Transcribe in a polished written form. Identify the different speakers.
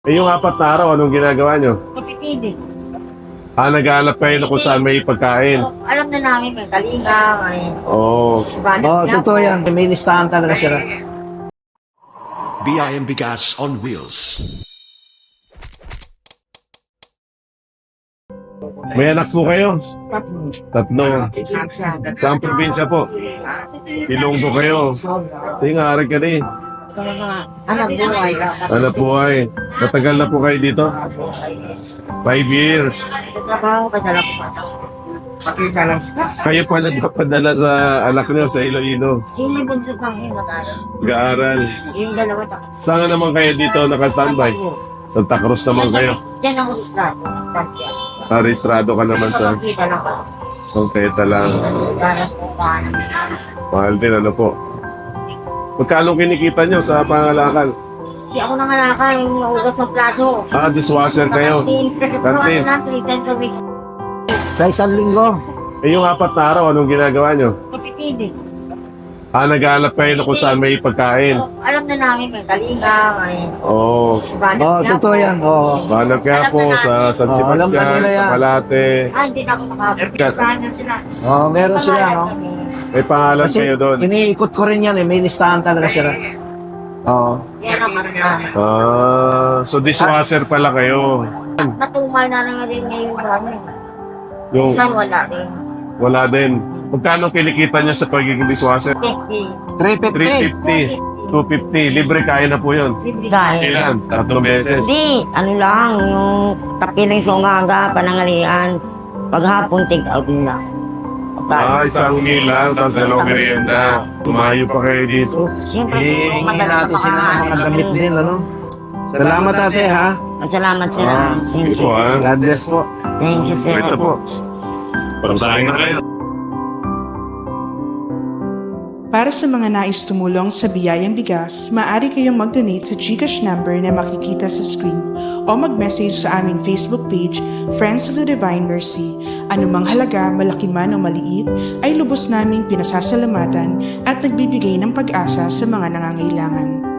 Speaker 1: Eh, yung 4 na araw, anong ginagawa nyo?
Speaker 2: Kapitid.
Speaker 1: Nag-aalap kayo na kung saan may pagkain.
Speaker 2: Alam na namin may kalinga, may
Speaker 1: Oo.
Speaker 3: Totoo yan. May listahan talaga sila.
Speaker 4: BIM Bigas on Wheels.
Speaker 1: May anak po kayo? Tatlo. Saan probinsya po? Ilonggo kayo. Tingarag ka din.
Speaker 2: anak buhay.
Speaker 1: Anak buhay. Matagal na po kayo dito? 5 years.
Speaker 2: Trabaho ka dala ko. Pakita lang.
Speaker 1: Kayo pa nagpapadala sa anak niyo sa Iloilo.
Speaker 2: Sino yung bunso kang mag-aaral?
Speaker 1: Nag-aaral.
Speaker 2: Yung dalawa
Speaker 1: Saan naman kayo dito naka-standby? Santa Cruz naman kayo.
Speaker 2: Diyan ako istrado.
Speaker 1: Rehistrado ka naman sa
Speaker 2: Pakita lang ako.
Speaker 1: Konkreta lang.
Speaker 2: Gaya po paano.
Speaker 1: Mahal din, ano po. Magkano kinikita nyo sa pangalakal?
Speaker 2: Di ako nangalakal yung ugas ng plato.
Speaker 1: Dishwasher kayo. Kantin.
Speaker 2: Kantin. 3 times a week.
Speaker 3: Sa isang linggo.
Speaker 1: Eh, yung 4 na araw, anong ginagawa nyo?
Speaker 2: Kapitid.
Speaker 1: Nag-aalap kayo na kung saan may pagkain.
Speaker 2: Alam na namin may kalinga, may
Speaker 1: Oo.
Speaker 3: Totoo yan.
Speaker 1: Banat nga po sa San
Speaker 3: alam na
Speaker 1: Sebastian,
Speaker 3: nila
Speaker 1: sa
Speaker 3: yan.
Speaker 1: Malate.
Speaker 2: hindi na ako makapisahan na sila.
Speaker 3: Meron sila, no?
Speaker 1: May pangalan
Speaker 3: Kasi
Speaker 1: kayo doon.
Speaker 3: iniikot ko rin yan, eh. May listahan talaga sila.
Speaker 2: Yan naman na.
Speaker 1: So dishwasher pala kayo.
Speaker 2: Natumal na lang rin ngayon ano.
Speaker 1: Yung
Speaker 2: Minsan wala rin.
Speaker 1: wala din. Magkano kinikita nyo sa pagiging dishwasher?
Speaker 2: 50.
Speaker 3: 350.
Speaker 1: 350. 250. Libre kaya na po yun.
Speaker 2: Dahil.
Speaker 1: Ilan? 3 beses.
Speaker 2: Hindi, ano lang, yung kapiling sa umaga, panangalian, paghapon, take out nila.
Speaker 1: Isang meal lang, tapos 2 merienda. Tumayo pa kayo dito.
Speaker 2: Siyempre,
Speaker 3: Hingin natin sila ng mga damit din, ano? Salamat ate, ha?
Speaker 2: Salamat sir.
Speaker 1: Sige po, ha?
Speaker 3: God bless po.
Speaker 2: Thank you sir.
Speaker 1: Ito po. Pasahin na kayo.
Speaker 5: Para sa mga nais tumulong sa Biyayang Bigas, maaari kayong mag-donate sa GCash number na makikita sa screen o mag-message sa aming Facebook page, Friends of the Divine Mercy. Anumang halaga, malaki man o maliit, ay lubos naming pinasasalamatan at nagbibigay ng pag-asa sa mga nangangailangan.